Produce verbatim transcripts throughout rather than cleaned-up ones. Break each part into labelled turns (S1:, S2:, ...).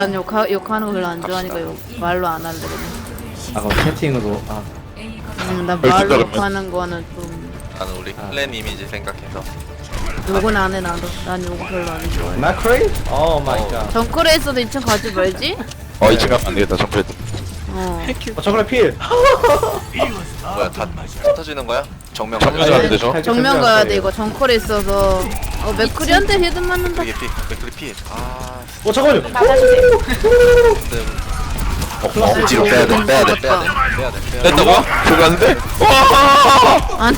S1: 난 욕하, 욕하는 거 별로 안 좋아하니까 욕, 말로 안 할래 그냥.
S2: 아 그럼 채팅으로 아
S1: 음, 난 말로 욕하는 거는 좀
S3: 나는 우리 클랜 이미지 생각해서
S1: 욕은 안 해 나도. 난 욕 별로 안 좋아해.
S2: 마크레이? 오 마이 갓.
S1: 정글에서도 이 층 가지 말지?
S4: 어, 이 층 가면 안 되겠다, 점프해.
S1: 어.
S2: 어 저거래 필.
S3: 뭐야 다 터지는 거야? 정면
S4: 정면
S3: 가자.
S4: 가야 되죠?
S1: 정면 가야 돼 이거. 정글에 있어서 어 맥크리한테 헤드 맞는다.
S3: 이게 피, 맥크리 피. 아,
S2: 어 잠깐만요.
S3: 근데
S4: 어, 어, 뒤로 빼야 돼, 빼야 돼.
S3: 빼야 돼, 빼야 돼, 빼야 돼.
S4: 뺐다고? 들어갔는데? 와!
S1: 안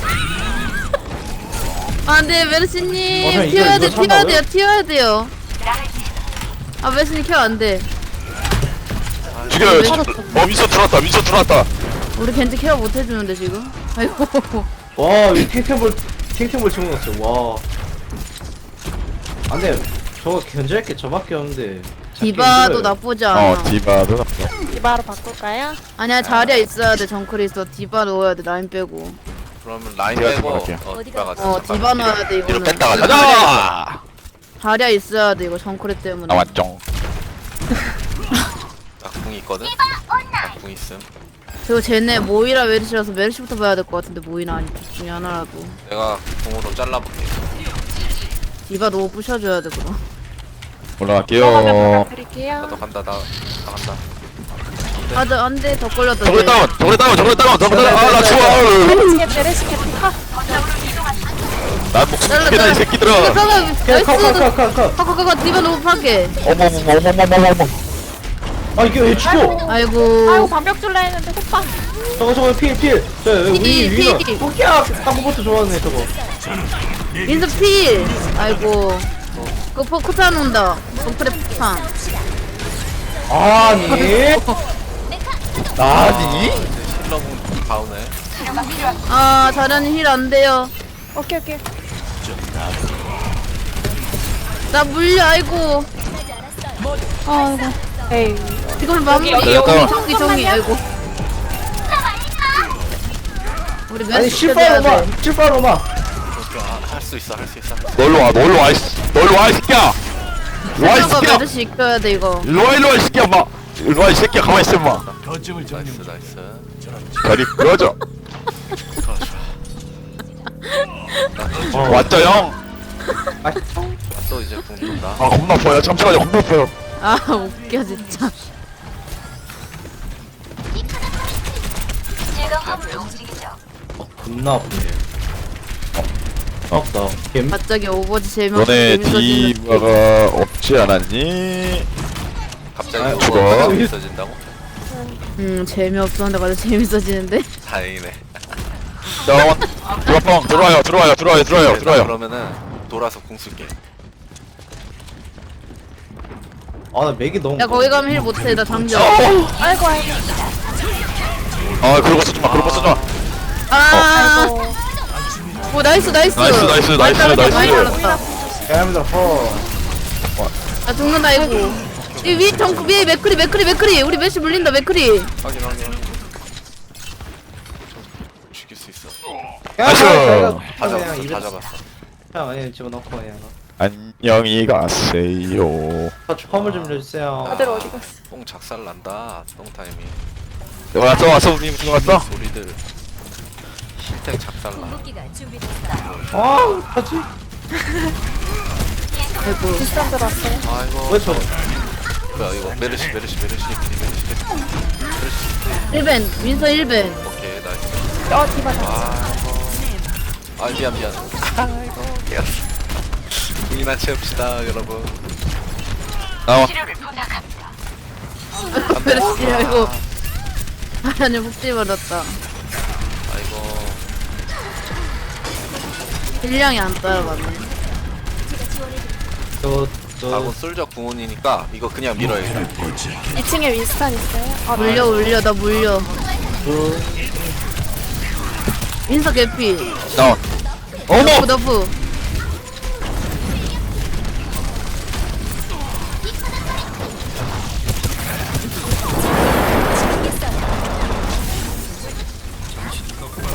S1: 안돼
S2: 어,
S1: 메르시님
S2: 그냥 이거-
S1: 튀어야
S2: 이거
S1: 돼 튀어야
S2: 참나고요?
S1: 돼요 튀어야 돼요. 아 메르시님 튀어 안돼.
S4: 죽여요. 어, 미소 들어왔다, 미소 들어왔다.
S1: 우리 겐지 케어 못 해주는데 지금. 아이고.
S2: 와이 탱탱볼 탱탱볼 집어넣었어. 와. 안돼. 저거 견제할 게 저밖에 없는데. 잡기
S1: 디바도
S2: 힘들어요.
S1: 나쁘지 않아.
S4: 어, 디바도 나쁘다.
S5: 디바로 바꿀까요?
S1: 아니야 자리야 있어야 돼. 정크리 있어. 디바 넣어야 돼. 라인 빼고.
S3: 그러면 라인
S4: 제가
S3: 빼고
S4: 들어갈게요.
S3: 어, 디바 가자.
S1: 어 디바 넣어야 돼
S3: 뒤로
S1: 이거는.
S3: 뺐다 가자.
S4: 가자!
S1: 자리야 있어야 돼 이거 정크리 때문에.
S4: 나 왔죠.
S3: 나궁 있거든. 나궁 있음.
S1: 그리고 쟤네 모이라 메르시라서 메르시부터 봐야 될 것 같은데 모이나 아니 둘 중에 하나라도.
S3: 내가 궁으로 잘라볼게.
S1: 디바 너무 부셔줘야 돼 그럼.
S4: 올라갈게요.
S5: 드릴게요.
S3: 나도 간다. 나, 나 간다.
S1: 아저 안돼 더 걸렸다.
S4: 저걸 다운, 저걸 다운, 저걸 다운, 저걸 다운. 아, 나 죽어.
S5: 내리시게 내리시게 파.
S4: 난 목숨 죽겠다, 이 새끼들아.
S1: 나이스.
S2: 컷컷컷컷.
S1: 카카카카 디바 너무 파괴.
S4: 어머머머머머머머머.
S2: 아 이게 왜 죽어?
S1: 아이고.
S5: 아이고 방벽 줄라 했는데 호빠.
S2: 저거 저거 필 필. 저 우리
S1: 필,
S2: 위가.
S1: 필.
S2: 토끼야. 한국부터 좋아하네 저거.
S1: 민수 필. 아이고. 그 포크탄 온다. 정크레 포크탄.
S2: 아니.
S4: 아니?
S3: 힐러궁 바우네.
S1: 아 자련이 힐 안 돼요.
S5: 오케이 오케이.
S1: 나 물려 아이고. 아이고.
S5: 에이.
S1: 이걸 마무리.
S5: 여기,
S4: 여기.
S1: 정기 정기 아이고. 우리
S2: 아니
S1: 메시 때려야
S2: 실바로마
S1: 돼.
S2: 실바로마.
S3: 할 수 있어, 할 수 있어.
S4: 놀러 와, 놀러 와, 이씨. 놀러 와, 이 새끼야. 일로 와, 이
S1: 세명과
S4: 새끼야.
S1: 메르시 이겨야 돼 이거.
S4: 일로 와, 일로 와, 이 새끼야, 마. 일로 와, 이 새끼야. 가만히 있어, 마.
S3: 나이스, 나이스.
S4: 다리 부러져.
S2: 어.
S4: 왔죠, 형?
S2: 아,
S3: 또 이제 궁 돈다.
S4: 아, 겁나 아파요. 잠시만요, 겁나 아파요.
S1: 아 웃겨 진짜.
S2: 겁나 아프네. 어, 없다. 겜.
S1: 갑자기 오버워치 재미없어
S4: 너네
S1: 재밌어지는.
S4: 디바가 없지 않았니?
S3: 갑자기
S2: 아,
S3: 이거
S4: 죽어.
S3: 재밌어진다고?
S1: 음 재미없었는데 갑자기 재밌어지는데.
S3: 다행이네.
S4: 자, 디바펑 들어와요, 들어와요, 들어와요, 들어와요, 들어와요.
S3: 그러면은 돌아서 궁 쓸게.
S2: 아, 나 맥이 너무.
S1: 야 거기 가면 힐 못해 나 장전.
S5: 아이고 아이고.
S4: 아, 그러고 쓰지 마, 그러고 쓰지 마.
S1: 아.
S5: 아이고.
S1: 오 나이스 나이스.
S4: 나이스, 나이스,
S1: 많이
S4: 나이스,
S1: 잘랐다,
S4: 나이스.
S1: 많이 잘랐다.
S2: 감사합니다. 허.
S1: 나 죽는다 이거. 이 위 정크 위에 맥크리 맥크리 맥크리 우리 메시 물린다 맥크리.
S3: 확인, 확인. 확인. 죽일 수 있어.
S4: 나이스.
S3: 다 잡았어, 다
S2: 그냥
S3: 잡았어.
S2: 그냥 아니 집어넣고 그냥.
S4: 안녕히 가세요.
S2: 아, 화물 좀 내주세요.
S5: 다들 어디 갔어?
S3: 뽕 작살 난다. 뽕 타이밍.
S4: 왔어, 왔어, 우리 왔어.
S3: 소리들. 힐탱 작살 나.
S2: 아, 하지?
S1: 아이고.
S5: 비싼 들어왔어요.
S3: 아이고.
S2: 왜 저?
S3: 뭐야 이거 메르시, 메르시, 메르시, 메르시, 메르시.
S1: 일 벤 민서 일 벤.
S3: 오케이, 나이스.
S5: 어 디바 다.
S3: 아이고. 아 미안 미안. 아이고. 미안. 궁이나 채웁시다 여러분.
S4: 나와.
S1: 메르시 아이고. 아니 복지 받았다.
S3: 아이고.
S1: 힐량이 안 따라가네.
S2: 저, 저.
S3: 하고 솔저 궁원이니까 이거 그냥 밀어야겠다.
S5: 이 층에 윈스턴 있어요? 아
S1: 물려 물려 나 물려.
S2: 저.
S1: 민서 개피.
S4: 나와. 어머!
S1: 너프 너프.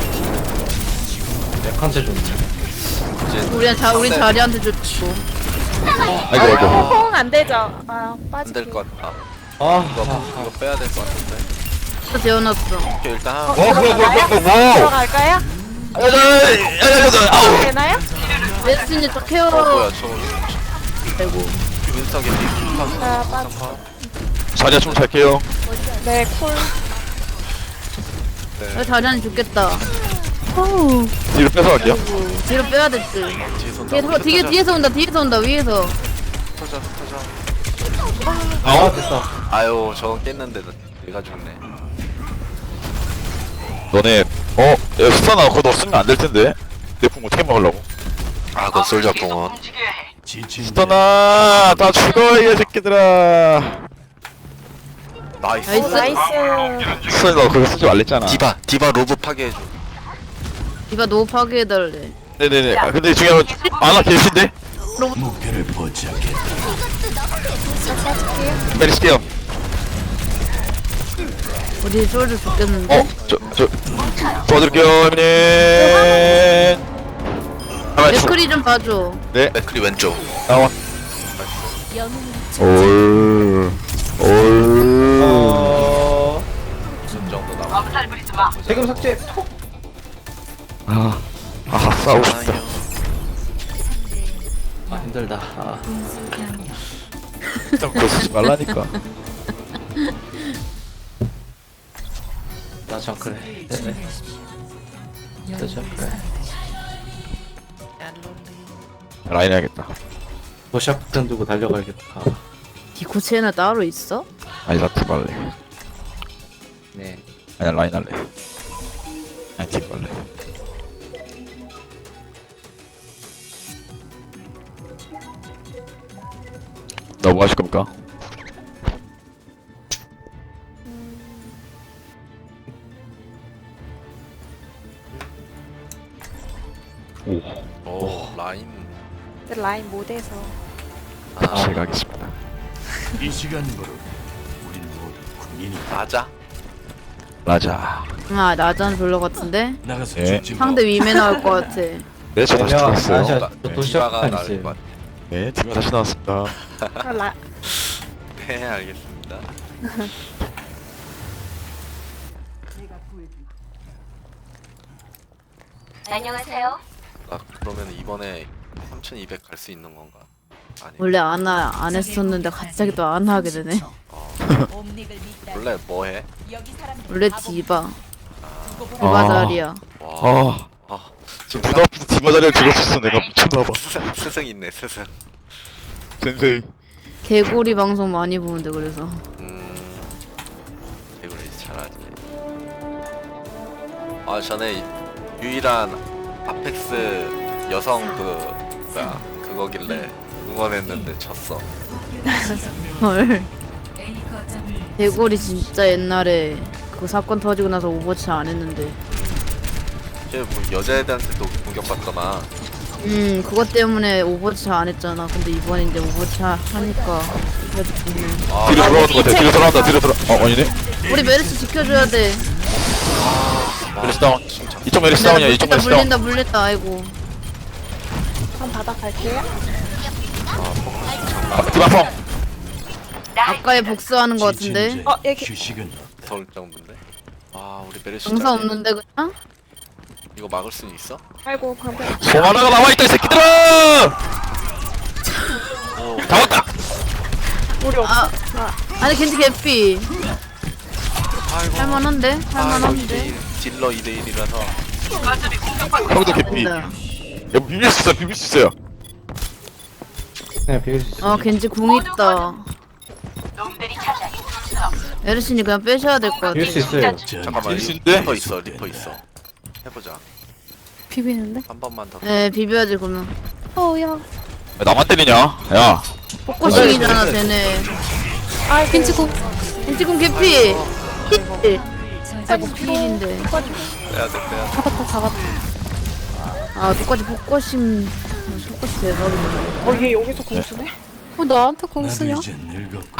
S2: 맥한테 줬네.
S3: 이제
S1: 우리 자 우리
S3: 상대-
S1: 자리한테 줬고.
S4: 아이고 아이고.
S5: 퐁 안되죠. 아
S3: 안
S5: 빠지.
S3: 될 것 같아.
S2: 아,
S3: 이거 이거 빼야 될 것 같은데.
S1: 또 재워놨어.
S3: 오케이 일단 한
S4: 어 뭐야 뭐야 뭐야 뭐야.
S5: 들어갈까요?
S4: 아우.
S5: 되나요?
S1: 메르시님 저 케어.
S3: 어 뭐야 저
S1: 아이고.
S3: 윈스턴 겐지 윈스턴
S5: 아 빠지.
S4: 자리야 좀 잘게요.
S5: 네 콜.
S1: 왜 자리안이 죽겠다.
S4: 뒤로 뺏어 갈게요.
S1: 뒤로 빼야 될 듯.
S3: 뒤에서 온다.
S1: 뒤에, 뒤에, 뒤에서 온다, 뒤에서 온다, 위에서.
S3: 터져 터져.
S2: 아, 됐다.
S3: 아유 저건 깼는데 내가 죽네.
S4: 너네 어? 야 수산아 그거 너 쓰면 안 될 텐데. 내 풍 어떻게 먹으려고?
S3: 아 그건 솔저뽕은.
S4: 수산아 다 죽어 이 새끼들아.
S3: 나이스.
S1: 나이스.
S5: 나이스.
S4: 수산이 너 그거 쓰지 말랬잖아.
S3: 디바 디바 로브 파괴해줘.
S1: 디바 노 파괴해달래.
S4: 네네네. 아, 근데 중요한 건 아나 계신데? 내리실게요.
S1: 어디 쫄도 죽겠는데?
S4: 어? 저, 저, 도와드릴게요, 형님. 가만히 있어.
S1: 맥크리 좀 봐줘.
S4: 네,
S3: 맥크리 왼쪽.
S4: 나와. 올, 올.
S2: 어,
S3: 무슨 정도 나와?
S2: 세금 삭제. 톡.
S4: 아, 아, 싸우고 싶다.
S2: 아, 힘들다. 아,
S4: 일단 그거 쓰지 말라니까.
S2: 나 정크래. 네네. 나 정크래.
S4: 라인 해야겠다.
S2: 도시락 폭탄 두고 달려가야겠다. 아,
S1: 디코체나 따로 있어?
S4: 아니, 나티 발래.
S2: 네.
S4: 아니, 라인 할래. 아니, 티 발래. 너 뭐 하실 겁니까? 오,
S3: 오 라인.
S5: 근데 라인 못해서.
S3: 아
S4: 제가 하겠습니다.
S6: 이 시간부로 우린 모두 군인이
S3: 맞아.
S4: 라자.
S1: 아, 나잔 별로 같은데?
S6: 나가서
S4: 네.
S6: 죽지 뭐.
S1: 상대 위메 나올 것 같아.
S4: 네, 저 다시
S2: 아니야,
S4: 들어왔어요.
S2: 아니야.
S3: 나-
S2: 또
S3: 디바가
S2: 도시락 폭탄
S3: 나을
S2: 있어요.
S3: 것 같아.
S4: 네, 팀이 다시 나왔습니다.
S5: 아, 라.
S3: 네 알겠습니다.
S7: 안녕하세요.
S3: 아 그러면 이번에 삼천이백 갈 수 있는 건가? 아니.
S1: 원래 안, 하, 안 했었는데 갑자기 또 안 하게 되네.
S3: 원래 뭐 해?
S1: 원래 디바. 디바
S4: 아.
S1: 자리야.
S3: 와.
S4: 아,
S3: 아
S4: 지금 부담 없이 디바 자리를 들었었어. 내가 미쳤나봐.
S3: 스승 스승 있네 스승.
S4: 센세이.
S1: 개구리 방송 많이 보는데 그래서.
S3: 음. 개구리 잘하지. 아 전에 유일한 아펙스 여성 그 뭐야 그거길래 응원했는데 졌어.
S1: 헐. 개구리 진짜 옛날에 그 사건 터지고 나서 오버워치 안 했는데.
S3: 쟤뭐 여자애들한테도 공격받더만.
S1: 음, 그것 때문에 오버워치 안 했잖아. 근데 이번에 이제 오버워치 하- 하니까 그래도 좋네.
S3: 아
S4: 뒤로 돌아가는 것 같아. 뒤로 돌아간다. 뒤로 돌아. 어, 아니네.
S1: 우리 메르시 지켜줘야 돼.
S4: 메리스 다운. 이쪽 메리스 다운이야. 이쪽 메리스 다운.
S1: 물린다, 물린다. 아이고.
S5: 한번 바닥 갈게요.
S4: 아, 디바 펑.
S1: 아까에 복수하는 것 같은데.
S5: 어 여기.
S6: 휴식은
S3: 서울 정도인데. 아 우리 메르시
S1: 정사
S3: 잘해.
S1: 없는데 그냥?
S3: 이거 막을 수는 있어?
S5: 아이고 방금.
S4: 송 하나가 남아있다, 이 새끼들아!
S3: 오.
S4: 잡았다!
S5: 우리 없어.
S1: 아, 아니 겐지 개피.
S3: 아이고.
S1: 할만한데?
S3: 아이고
S1: 할만한데?
S3: 이 대 일. 딜러 이 대 일이라서.
S4: 형도 개피.
S1: 네.
S4: 야, 비빌 수 있어, 비빌 수 있어요.
S2: 그냥 비울 수 있어.
S1: 아 겐지 궁 있다. 에르신이 그냥 빼셔야 될 것 같아.
S2: 비울 수 있어요.
S3: 잠깐만
S4: 딜수 있는데?
S3: 리퍼 있어 리퍼 있어. 해보자.
S5: 비비는데?
S3: 한 번만 더.
S1: 네 비벼야지 그러면.
S5: 어야.
S4: 야, 나만 때리냐? 야.
S1: 포커싱이잖아 쟤네.
S5: 아 겐지 공.
S1: 겐지 궁 개피. 힐. 아이고 필인데.
S3: 빼야 돼 빼야 돼.
S5: 잡았다 잡았다.
S1: 아 똑같이 포커싱. 포커싱 대박이네.
S5: 어얘 여기서 공 쓰네? 어 나한테 공
S6: 나도
S5: 쓰냐?
S6: 이제 늙었고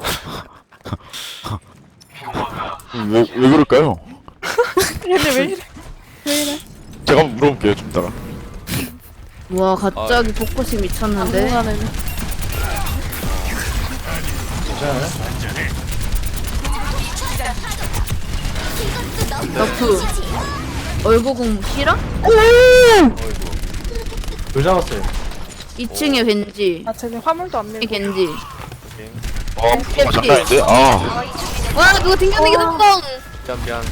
S4: 왜, 왜 그럴까요?
S5: 얘네 왜 이래? 왜 이래?
S4: 제가 한번 물어볼게요, 좀 이따가.
S1: 와 갑자기 포커싱 미쳤는데.
S5: 당분간에는.
S2: 괜찮아요?
S1: 너프 얼굴공 싫어?
S2: 돌 잡았어요.
S1: 이 층에 겐지
S5: 아 저기 화물도 안
S1: 이
S5: 밀고.
S1: 겐지
S4: 어 어, 장난인데? 아
S1: 와 그거 튕겨내기 성공
S3: 미안 미안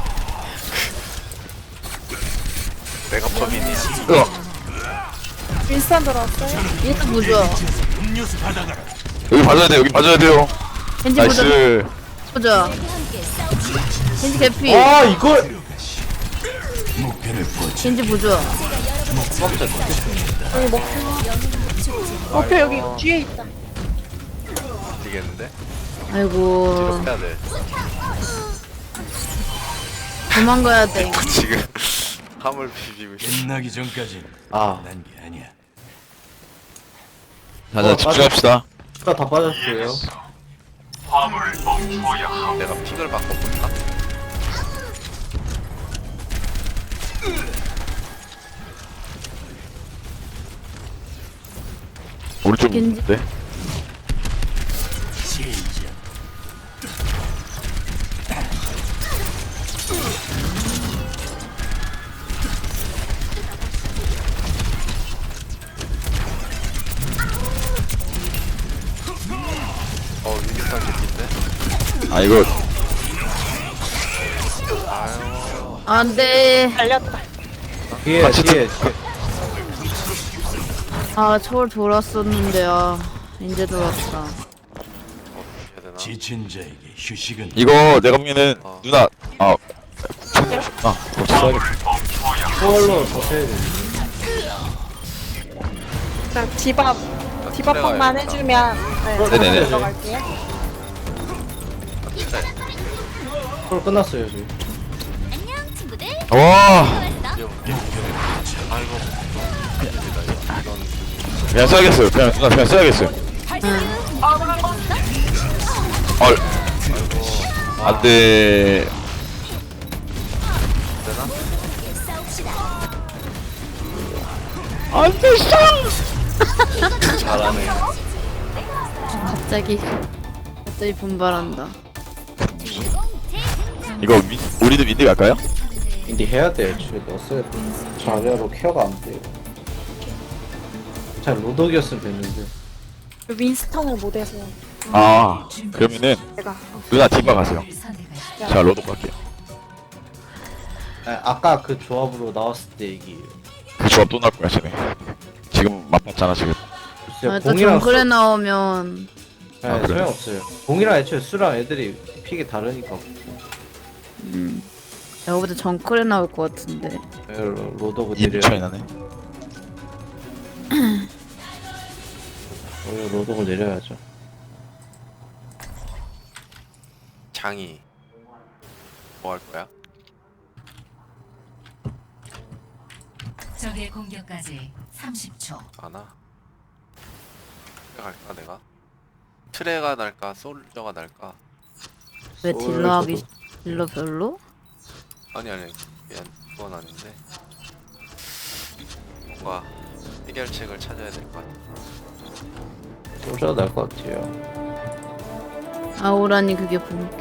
S3: 내가 범인이야
S4: 으악.
S5: 윈스턴 들어왔어요?
S1: 얘도 부좋아
S6: 음료수 받아가라.
S4: 여기 봐줘야 돼 여기 봐줘야 돼요
S1: 겐지 부좋아
S4: 나이스
S1: 부좋아 겐지 개피
S2: 아 이걸
S6: 목표를 포착.
S1: 겐지 부좋아
S5: 여기 목표. 목표 여기 뒤에 있다.
S3: 되겠는데?
S1: 아이고
S3: 뒤로 빼야 돼
S1: 도망가야 돼
S3: 지금 화물 비비고 있어
S6: 끝나기 전까지
S2: 아
S6: 난 게 아니야.
S4: 자자 집중합시다
S2: 수가 다 빠졌어요.
S3: 내가 픽을 바꿔볼까?
S4: 오른쪽
S1: 겐지.
S4: 있는데?
S6: 시작.
S3: 어 위기상 개인데?
S4: 아 이거
S3: 아유
S1: 안돼
S5: 달렸다.
S2: 뒤에
S4: 같이
S2: 뒤에
S1: 아 초월 돌았었는데 아 이제 돌았다
S3: 어 해야 되나?
S6: 지친 자에게 휴식은
S4: 이거 내가 보면은
S3: 어.
S4: 누나 아 아, 그거 써야겠다.
S2: 초월로 버텨야 돼.
S5: 자 디밥
S3: 나
S5: 디밥방만
S3: 트레가
S5: 해주면 네,
S4: 네네네.
S5: 들어갈게요.
S3: 트레
S2: 초월 끝났어요 지금.
S4: 와,
S3: 뛰어볼게 아이고 됩니다 이건
S4: 그냥 써야겠어요. 그냥 누나 그냥 써야겠어요. 얼, 안돼.
S3: 되나?
S4: 안돼,
S3: 잘하네
S1: 갑자기 갑자기 분발한다
S4: 이거 윈, 우리도 윈디 갈까요?
S2: 인디 해야 돼. 애초에 넣었어야 돼. 자리로 케어가 안 돼요. 잘 로독이었으면 됐는데.
S5: 윈스턴을 못해서
S4: 아, 그러면은
S5: 제가
S4: 누나 뒷바 가세요. 자, 로드 갈게요.
S2: 아, 아까 그 조합으로 나왔을 때 얘기예요.
S4: 그 조합 또 나올 거야, 쟤네. 지금 맛봤잖아, 지금.
S2: 진짜
S1: 아, 또
S2: 공이랑
S1: 정글에
S2: 수-
S1: 나오면
S2: 네,
S4: 아, 그래?
S2: 소용없어요. 공이랑 애초에 수랑 애들이 픽이 다르니까.
S1: 음 내가 보다 정글에 나올 것 같은데
S2: 네, 로- 로더고
S4: 이
S2: 내려.
S4: 차이 나네.
S2: 오히려 로더고 내려야죠.
S3: 장이 뭐 할 거야?
S7: 적의 공격까지 삼십 초.
S3: 아나? 갈까 내가? 트레가 날까 솔저가 날까?
S1: 왜
S2: 소울
S1: 딜러 하기
S2: 저도.
S1: 딜러 별로?
S3: 아니 아니 미안 그건 아닌데 뭔가 해결책을 찾아야 될 것 같아
S2: 소자가 날 것 같아요.
S1: 아우라니 그게 본캐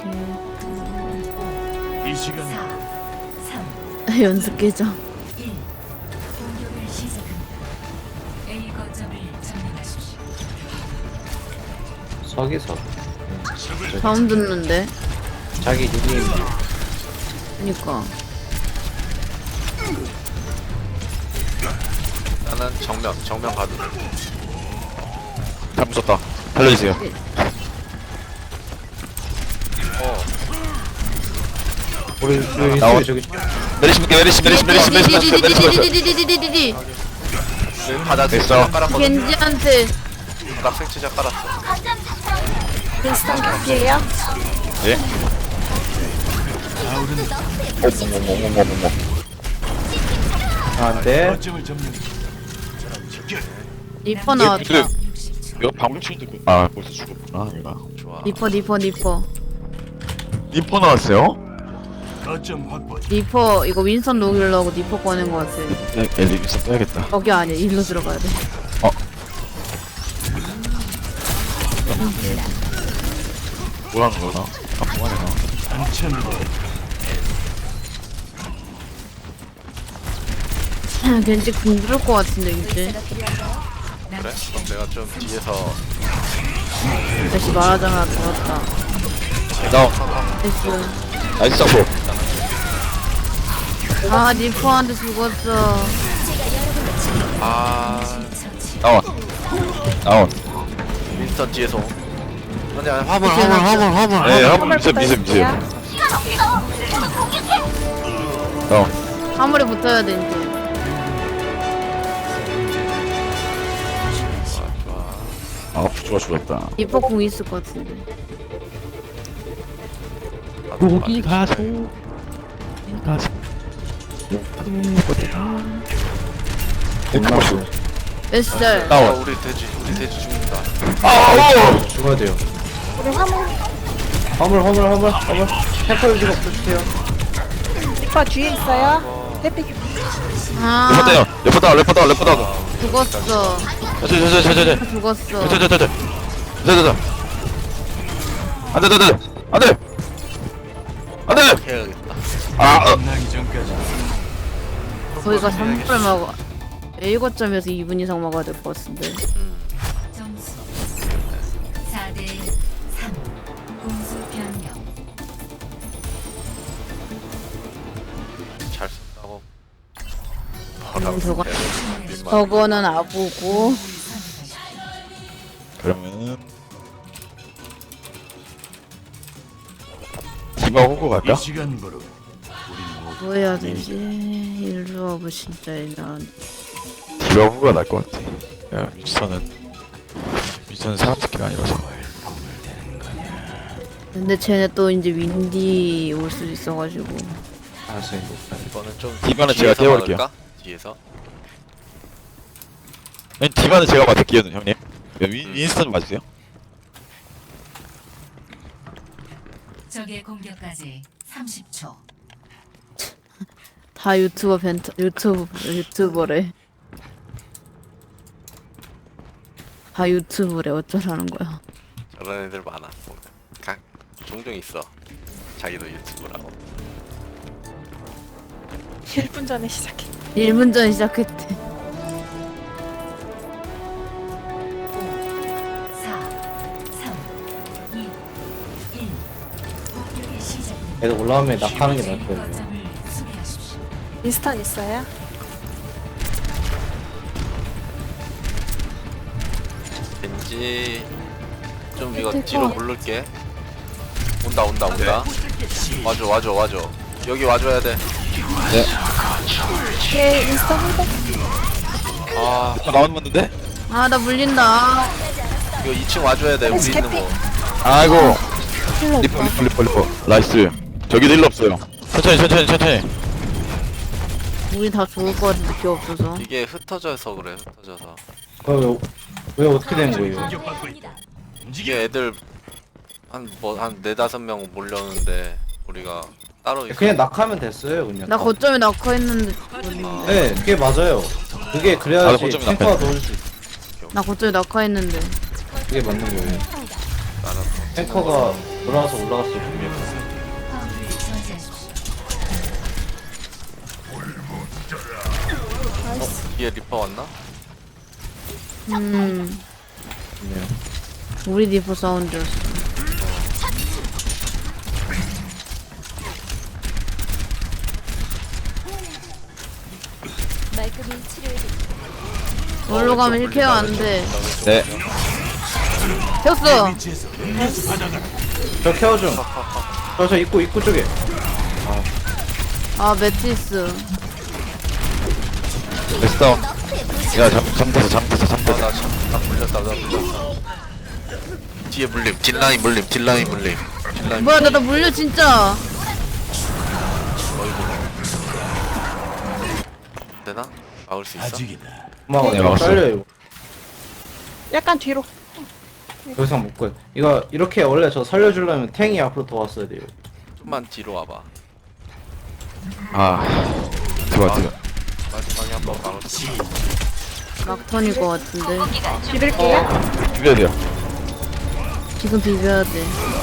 S6: 이 시간
S7: 삼,
S1: 연습 계정
S7: 일. 공격을 시작합니다. A 거점을 점령하십시오.
S2: 서기서.
S1: 처음 듣는데
S2: 자기 닉네임.
S1: 그니까
S3: 나는 정면 정면 가도 돼
S4: 잘못 썼다. 살려주세요.
S3: 어,
S2: 우리 우리
S4: 나와.
S2: 저기
S4: 내리시면 내리시 내리시 내리시 내리시 내리시 내리시.
S1: 디디디디디디디디디디디디디
S3: 여기 바닥
S4: 됐어.
S3: 생치자 깔았거든
S1: 겐지한테
S3: 바닥 생치자 깔았어
S5: 윈스턴 개피예요.
S4: 예. 어머머머머머머.
S2: 아, 네.
S6: 거점을 점령. 직결.
S1: 리퍼 나왔다
S4: 근데 이거 방금 치는데 그- 아 벌써 죽었구나 얘가.
S3: 좋아
S1: 리퍼 리퍼 리퍼
S4: 리퍼 나왔어요?
S6: 거점 확보.
S1: 리퍼 이거 윈선 녹이려고 리퍼 꺼낸 것 같아
S4: 네, 엘리비스 떠야겠다.
S1: 거기 아니야 일로 들어가야 돼
S4: 뭘 하는 거나? 아, 뭐 하냐, 나.
S6: 한참으로
S1: 왠지 궁들을 것 같은데 이제.
S3: 그래? 그럼 내가 좀 뒤에서
S1: 다시 말하자마자 들었다.
S4: 다운.
S1: 됐어.
S4: 나이스 잡고.
S1: 아 니퍼한테 죽었어.
S3: 아
S4: 다운. 다운.
S3: 윈스턴 뒤에서 아니 아니 화물 화물 화물 화물
S4: 네, 한번 미세, 미세, 미세. 다운.
S1: 화물에 붙어야 돼 이제.
S4: 아, 부조가 죽었다.
S1: 니퍼 궁 있을 것 같은데.
S4: 여기 가서. 가서. 끝났어.
S1: 에스잘.
S3: 아
S4: 다운.
S3: 우리 돼지 우리 돼지 죽는다
S4: 아,
S2: 죽어야 돼요.
S5: 우리 화물
S2: 화물 화물 화물 화물. 템포 유지가 없어주세요.
S5: 리퍼 뒤에 있어요. 해피
S1: 아
S4: 레퍼다요. 레퍼다, 레퍼다, 레퍼다.
S1: 죽었어.
S4: 저저 저 저 저 저.
S1: 죽었어.
S4: 저 저 저 저. 저 저 저. 안돼, 안돼, 안돼. 안돼.
S3: 해야겠다
S4: 아, 어.
S6: 끝나기 전까지
S1: 거기가 삼 분을 먹어. A 거점에서 이 분 이상 먹어야 될 것 같은데.
S7: 점수 사 대 삼. 공수 변경.
S3: 잘 쓴다고
S1: 음, 저거
S3: 민망해.
S1: 저거는 아부고.
S4: 그러면은 디바 호구 갈까?
S6: 이 시간부로 우리 모두
S1: 뭐 해야 되지? 일조하고 진짜 난
S4: 디바 호구가 날 것 같아. 야, 미스터는 미스터는 사람 새끼가 아니라서.
S1: 근데 쟤네 또 이제 윈디 올 수도 있어가지고.
S2: 알았어요.
S3: 이거는 좀
S4: 디바는 제가
S3: 뒤에서
S4: 떼어볼게요.
S3: 막을까? 뒤에서
S4: 아니, 디바는 제가 맡을게요, 형님. 윈 윈스턴 맞으세요?
S7: 적의 공격까지 삼십 초.
S1: 다 유튜버 벤터 유튜브 유튜버래. 다 유튜브래. 어쩌라는 거야.
S3: 저런 애들 많아 각 종종 있어 자기도 유튜브라고
S5: 일 분 전에 시작해.
S1: 일 분 전에 시작했대.
S7: 사, 삼, 이, 일. 공격의 시작입니다.
S2: 애들 올라오면 낙하는 게 나을 거예요.
S7: 거점을 수비하십시오.
S5: 인스턴 있어요?
S3: 왠지 좀 이거
S1: 밑에
S3: 뒤로
S1: 거.
S3: 물를게 온다 온다 온다 와줘 와줘 와줘 여기 와줘야 돼
S5: 뒤에 인스턴 한 번.
S3: 아
S4: 아, 나온 건데?
S1: 아 나 물린다.
S3: 이거 이 층 와줘야 돼 우리 있는 거
S4: 아이고.
S1: 힐러
S4: 리퍼,
S1: 없다.
S4: 리퍼, 리퍼, 리퍼. 나이스. 저기도 일 없어요. 천천히, 천천히, 천천히.
S1: 우리 다 죽을 것 같은데 기 없어서.
S3: 이게 흩어져서 그래 흩어져서
S2: 어, 왜, 왜 어떻게 된 거예요?
S6: 공격받고 있다. 움직여.
S3: 이게 애들 한 뭐 한 네다섯 명 몰렸는데 우리가 따로 있어
S2: 그냥 낙하면 됐어요 그냥.
S1: 나 거점에 낙하 했는데.
S2: 네, 그게 맞아요. 그게
S4: 나도
S2: 그래야지
S4: 거점에
S2: 탱커가
S4: 낙하했어.
S2: 넣을 수 있어.
S1: 나 거점에 낙하 했는데.
S2: 그게 맞는 거예요.
S3: 나는
S2: 탱커가 돌아와서 올라갔을 뿐이에요.
S7: 화물을 저지하십시오.
S3: 뒤에 리퍼 왔나?
S1: 음
S2: 좋네요.
S1: 우리 디퍼 사운드였어. 놀러 가면 일 케어 안 돼.
S4: 네.
S1: 켰어.
S6: 위치에서
S2: 저 케어 좀. 저, 저 입구, 입구 쪽에.
S1: 아 매트리스.
S4: 됐어. 다운. 야, 잠, 잠들었어, 잠들었어, 잠들었어.
S3: 아나참나 물렸다 나 물렸다 뒤에 물림 딜라인 물림 딜라인 물림 딜라인
S1: 뭐야 나 나 물려 진짜.
S3: 되나? 막을 수 있어?
S6: 아직이다.
S2: 고마워,
S4: 네,
S2: 내가
S4: 막았어요.
S2: 잘려요.
S5: 약간 뒤로.
S2: 더 이상 못 가요. 이거, 이렇게 원래 저 살려주려면 탱이 앞으로 더 왔어야 돼요.
S3: 좀만 뒤로 와봐
S4: 아, 들어와, 들어와.
S3: 마지막에 한번 막을 수 있어
S1: 막턴일 것 같은데.
S5: 기를게요.
S4: 죽여야 돼요.
S1: 지금 비벼야 돼.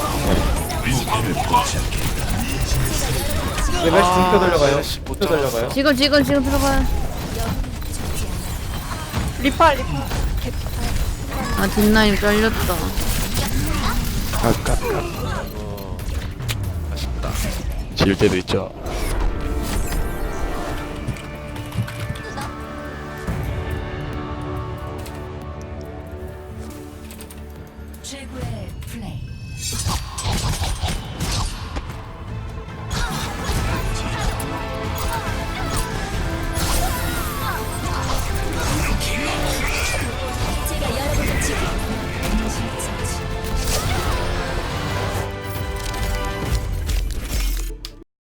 S2: 네, 메시 등표 돌려가요. 등표 돌려가요.
S1: 지금 지금 지금 들어가요.
S5: 리파 리파.
S1: 아 뒷라인 잘렸다.
S4: 아깝다.
S3: 어, 아쉽다.
S4: 질 때도 있죠.